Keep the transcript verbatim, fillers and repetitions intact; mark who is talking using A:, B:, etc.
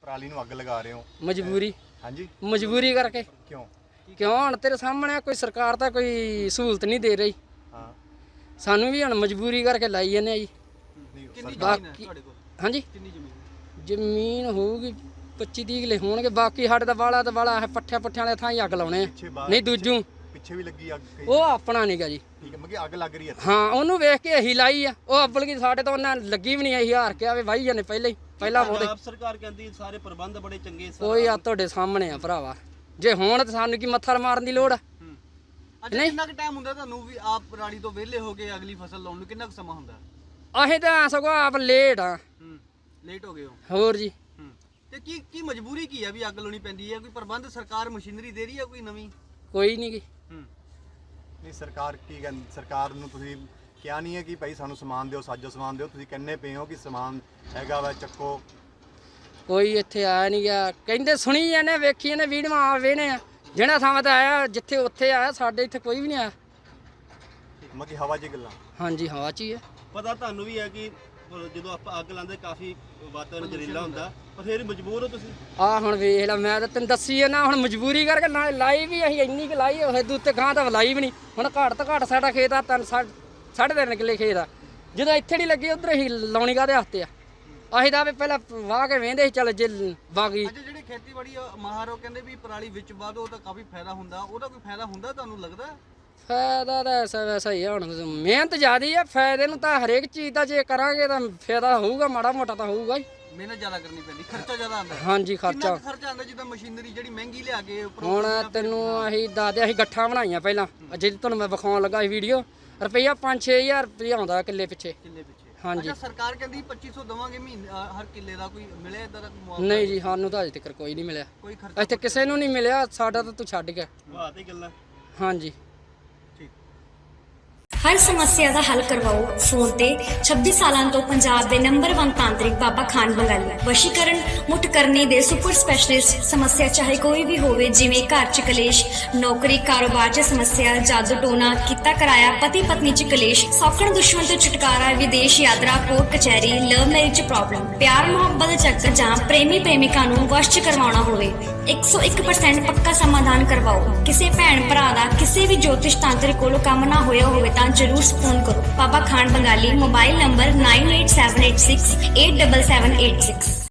A: ਪਰਾਲੀ ਨੂੰ ਅੱਗ ਲਗਾ ਰਹੇ ਹੋ?
B: ਮਜਬੂਰੀ।
A: ਹਾਂਜੀ,
B: ਮਜਬੂਰੀ ਕਰਕੇ।
A: ਕਿਉਂ?
B: ਕਿਉਂ ਹੁਣ ਤੇਰੇ ਸਾਹਮਣੇ ਕੋਈ ਸਰਕਾਰ ਤਾਂ ਕੋਈ ਸਹੂਲਤ ਨਹੀਂ ਦੇ ਰਹੀ,
A: ਹਾਂ,
B: ਸਾਨੂੰ ਵੀ ਹੁਣ ਮਜਬੂਰੀ ਕਰਕੇ ਲਾਈ ਜਾਂਦੇ ਆ ਜੀ।
C: ਕਿੰਨੀ ਜ਼ਮੀਨ ਹੈ
B: ਬਾਕੀ
C: ਤੁਹਾਡੇ ਕੋਲ?
B: ਹਾਂਜੀ
C: ਕਿੰਨੀ ਜ਼ਮੀਨ?
B: ਜ਼ਮੀਨ ਹੋਊਗੀ ਪੱਚੀ ਤੀਹ ਕਿੱਲੇ ਹੋਣਗੇ। ਬਾਕੀ ਸਾਡੇ ਦਾ ਵਾਲਾ ਤੇ ਵਾਲਾ ਹੈ ਪੱਠਿਆਂ ਪੁੱਠਿਆਂ ਵਾਲੇ ਥਾਂ ਹੀ ਅੱਗ ਲਾਉਣੇ ਆ।
A: ਪਿੱਛੇ ਬਾਹਰ
B: ਨਹੀਂ ਦੂਜੂ
A: ਪਿੱਛੇ ਵੀ ਲੱਗੀ ਅੱਗ ਕਈ?
B: ਉਹ ਆਪਣਾ ਨੀਗਾ ਜੀ।
A: ਠੀਕ ਹੈ, ਮਤਲਬ ਅੱਗ ਲੱਗ ਰਹੀ ਹੈ।
B: ਹਾਂ ਉਹਨੂੰ ਵੇਖ ਕੇ ਅਸੀਂ ਲਾਈ ਆ। ਉਹ ਅੱਬਲ ਕੀ ਸਾਡੇ ਤੋਂ ਉਹਨਾਂ ਲੱਗੀ ਵੀ ਨਹੀਂ ਆਈ, ਹਾਰ ਕੇ ਆਵੇ ਵਾਹੀ ਜਾਂਦੇ ਪਹਿਲਾਂ ਹੀ ਪਹਿਲਾਂ ਉਹਦੇ।
C: ਪੰਜਾਬ ਸਰਕਾਰ ਕਹਿੰਦੀ ਸਾਰੇ ਪ੍ਰਬੰਧ ਬੜੇ ਚੰਗੇ ਸਰ।
B: ਕੋਈ ਆ ਤੁਹਾਡੇ ਸਾਹਮਣੇ ਆ ਭਰਾਵਾ, ਜੇ ਹੋਣ ਤਾਂ ਸਾਨੂੰ ਕੀ ਮੱਥਾ ਮਾਰਨ ਦੀ ਲੋੜ ਆ।
C: ਅੱਛਾ, ਕਿੰਨਾ ਕੁ ਟਾਈਮ ਹੁੰਦਾ ਤੁਹਾਨੂੰ ਵੀ ਆਪ ਪਰਾਲੀ ਤੋਂ ਵਿਹਲੇ ਹੋ ਕੇ ਅਗਲੀ ਫਸਲ ਲਾਉਣ ਨੂੰ? ਕਿੰਨਾ ਕੁ ਸਮਾਂ ਹੁੰਦਾ?
B: ਅਸੀਂ ਤਾਂ ਸਗੋਂ ਆਪ ਲੇਟ ਆ।
C: ਹੂੰ, ਲੇਟ ਹੋ ਗਏ ਹੋ।
B: ਹੋਰ ਜੀ
C: ਹੂੰ, ਤੇ ਕੀ ਕੀ ਮਜਬੂਰੀ ਕੀ ਆ ਵੀ ਅੱਗ ਲਾਉਣੀ ਪੈਂਦੀ ਹੈ? ਕੋਈ ਪ੍ਰਬੰਧ ਸਰਕਾਰ ਮਸ਼ੀਨਰੀ ਦੇ ਰਹੀ ਹੈ ਕੋਈ ਨਵੀਂ?
B: ਕੋਈ ਨਹੀਂ ਗੀ।
C: ਹੂੰ,
A: ਨਹੀਂ, ਸਰਕਾਰ ਕੀ ਕਹਿੰਦੀ? ਸਰਕਾਰ ਨੂੰ ਤੁਸੀਂ ਕਿਹਾ ਨਹੀਂ ਹੈ ਕਿ ਭਾਈ ਸਾਨੂੰ ਸਮਾਨ ਦਿਓ, ਸਾਜੋ ਸਮਾਨ ਦਿਓ? ਤੁਸੀਂ ਕਹਿੰਦੇ ਪਏ ਹੋ ਕਿ ਸਮਾਨ ਹੈਗਾ ਵਾ, ਚੱਕੋ।
B: ਕੋਈ ਇੱਥੇ ਆਇਆ ਨਹੀਂ ਗਿਆ, ਕਹਿੰਦੇ ਸੁਣੀ ਜਾਂਦੇ ਵੇਖੀ ਜਾਂਦੇ ਵੀਡੀਓ ਆ ਵੇਨੇ ਆ। ਜਿਹੜਾ ਥਾਂ ਤੇ ਆਇਆ ਜਿੱਥੇ ਉੱਥੇ ਆਇਆ, ਸਾਡੇ ਇੱਥੇ ਕੋਈ ਵੀ ਨਹੀਂ ਆਇਆ।
A: ਮਤਲਬ ਹਵਾ 'ਚ ਗੱਲਾਂ।
B: ਹਾਂਜੀ ਹਵਾ 'ਚ ਹੀ ਹੈ।
C: ਪਤਾ ਤੁਹਾਨੂੰ ਵੀ ਹੈ ਕਿ ਜਦੋਂ ਆਪਾਂ ਅੱਗ ਲਾਉਂਦੇ ਕਾਫੀ ਵਾਤਾਵਰਨ ਜ਼ਹਿਰੀਲਾ ਹੁੰਦਾ, ਪਰ ਫਿਰ ਮਜਬੂਰ ਹੋ ਤੁਸੀਂ?
B: ਆ ਹੁਣ ਵੇਖ ਲੈ, ਮੈਂ ਤਾਂ ਤੈਨੂੰ ਦੱਸੀ ਹੈ ਨਾ, ਹੁਣ ਮਜਬੂਰੀ ਕਰਕੇ ਨਾ ਲਾਈ ਵੀ ਅਸੀਂ ਇੰਨੀ ਕੁ ਲਾਈ ਹੋਏ ਦੂਤੇ ਗਾਂ ਤਾਂ ਲਾਈ ਵੀ ਨਹੀਂ। ਹੁਣ ਘੱਟ ਤੋਂ ਘੱਟ ਸਾਡਾ ਖੇਤ ਆ ਤਿੰਨ ਸਾਢੇ ਤਿੰਨ ਕਿੱਲੇ ਖੇਤ ਆ। ਜਦੋਂ ਇੱਥੇ ਨਹੀਂ ਲੱਗੀ ਉਧਰ ਹੀ ਲਾਉਣੀ ਕਾਹਦੇ ਹੱਥ ਆ? ਅਸੀਂ ਤਾਂ ਵੀ ਪਹਿਲਾਂ ਵਾਹ ਕੇ ਵੇਂਦੇ ਸੀ ਚੱਲ ਜੇ ਬਾਗੀ।
C: ਅੱਛਾ, ਜਿਹੜੇ ਖੇਤੀਬਾੜੀ ਮਾਹਰ ਉਹ ਕਹਿੰਦੇ ਵੀ ਪਰਾਲੀ ਵਿੱਚ ਵਾਧੋ ਤਾਂ ਕਾਫੀ ਫਾਇਦਾ ਹੁੰਦਾ, ਉਹਦਾ ਕੋਈ ਫਾਇਦਾ ਹੁੰਦਾ ਤੁਹਾਨੂੰ ਲੱਗਦਾ?
B: ਫਾਇਦਾ ਤਾਂ ਐਸਾ ਵੈਸਾ ਹੀ ਆ, ਹੁਣ ਮਿਹਨਤ ਜ਼ਿਆਦੀ ਆ। ਫਾਇਦੇ ਨੂੰ ਤਾਂ ਹਰੇਕ ਚੀਜ਼ ਦਾ ਜੇ ਕਰਾਂਗੇ ਤਾਂ ਫਾਇਦਾ ਹੋਊਗਾ, ਮਾੜਾ ਮੋਟਾ ਤਾਂ ਹੋਊਗਾ ਹੀ।
C: ਮਿਹਨਤ ਜ਼ਿਆਦਾ ਕਰਨੀ ਪੈਂਦੀ, ਖਰਚਾ ਜ਼ਿਆਦਾ ਆਉਂਦਾ।
B: ਹਾਂਜੀ
C: ਕਿੰਨਾ
B: ਖਰਚਾ।
C: ਕੁ ਖਰਚਾ ਆਉਂਦਾ ਜਿੱਦਾਂ ਮਸ਼ੀਨਰੀ ਜਿਹੜੀ ਮਹਿੰਗੀ ਲਿਆ ਕੇ ਉੱਪਰੋਂ?
B: ਹੁਣ ਤੈਨੂੰ ਅਸੀਂ ਦੱਸਦੇ, ਅਸੀਂ ਗੱਠਾਂ ਬਣਾਈਆਂ ਪਹਿਲਾਂ, ਜਿਹੜੀ ਤੁਹਾਨੂੰ ਮੈਂ ਵਿਖਾਉਣ ਲੱਗਾ ਸੀ ਵੀਡੀਓ, ਰੁਪਈਆ ਪੰਜ ਛੇ ਹਜ਼ਾਰ ਰੁਪਈਆ ਆਉਂਦਾ ਕਿੱਲੇ ਪਿੱਛੇ।
C: ਕਿੱਲੇ ਪਿੱਛੇ?
B: ਹਾਂਜੀ।
C: ਅੱਛਾ, ਸਰਕਾਰ ਕਹਿੰਦੀ ਪੱਚੀ ਸੌ ਦਵਾਂਗੇ ਮਹੀਨੇ ਹਰ ਕਿੱਲੇ ਦਾ, ਕੋਈ ਮਿਲਿਆ ਇਦਾਂ ਦਾ ਮੁਆਵਜ਼ਾ?
B: ਨਹੀਂ ਜੀ, ਸਾਨੂੰ ਤਾਂ ਅਜੇ ਤੱਕ ਕੋਈ ਨਹੀਂ ਮਿਲਿਆ।
C: ਕੋਈ ਖਰਚਾ
B: ਇੱਥੇ ਕਿਸੇ ਨੂੰ ਨਹੀਂ ਮਿਲਿਆ, ਸਾਡਾ ਤਾਂ ਤੂੰ ਛੱਡ ਗਿਆ।
C: ਵਾਹ ਤੇ ਗੱਲਾਂ।
B: ਹਾਂਜੀ।
D: ਹਰ ਸਮੱਸਿਆ ਦਾ ਹੱਲ ਕਰਵਾਓ ਫੋਨ ਤੇ। ਛੱਬੀ ਸਾਲਾਂ ਤੋਂ ਪੰਜਾਬ ਦੇ ਨੰਬਰ ਇੱਕ ਤਾਂਤਰਿਕ ਬਾਬਾ ਖਾਨ ਬੰਗਾਲੀ। ਵਸ਼ੀਕਰਨ, ਮੁੱਠ ਕਰਨੀ ਦੇ ਸੁਪਰ ਸਪੈਸ਼ਲਿਸਟ। ਸਮੱਸਿਆ ਚਾਹੇ ਕੋਈ ਵੀ ਹੋਵੇ, ਜਿਵੇਂ ਘਰ ਚ ਕਲੇਸ਼, ਨੌਕਰੀ ਕਾਰੋਬਾਰ ਚ ਸਮੱਸਿਆ, ਜਾਦੂ ਟੋਨਾ, ਕੀਤਾ ਕਰਾਇਆ, ਪਤੀ ਪਤਨੀ ਚ ਕਲੇਸ਼, ਸੌਖਣ ਦੁਸ਼ਮਣ ਤੋਂ ਛੁਟਕਾਰਾ, ਵਿਦੇਸ਼ ਯਾਤਰਾ, ਕੋਰਟ ਕਚਹਿਰੀ, ਲਵ ਮੈਰਿਜ ਪ੍ਰੋਬਲਮ, ਪਿਆਰ ਮੁਹੱਬਤ ਦੇ ਚੱਕਰ ਜਾਂ ਪ੍ਰੇਮੀ ਪ੍ਰੇਮਿਕਾ ਨੂੰ ਵਸ਼ ਚ ਕਰਵਾਉਣਾ ਹੋਵੇ, ਇੱਕ ਸੌ ਇੱਕ ਪਰਸੈਂਟ ਪੱਕਾ ਸਮਾਧਾਨ ਕਰਵਾਓ। ਕਿਸੇ ਭੈਣ ਭਰਾ ਦਾ ਕਿਸੇ ਵੀ ਜੋਤਿਸ਼ ਤਾਂਤਰਿਕ ਕੋਲੋਂ ਕੰਮ ਨਾ ਹੋਇਆ ਹੋਵੇ ਤਾਂ ਜਰੂਰ ਫੋਨ ਕਰੋ। Baba Khan Bengali. Mobile number nine eight seven eight six eight seven seven eight six.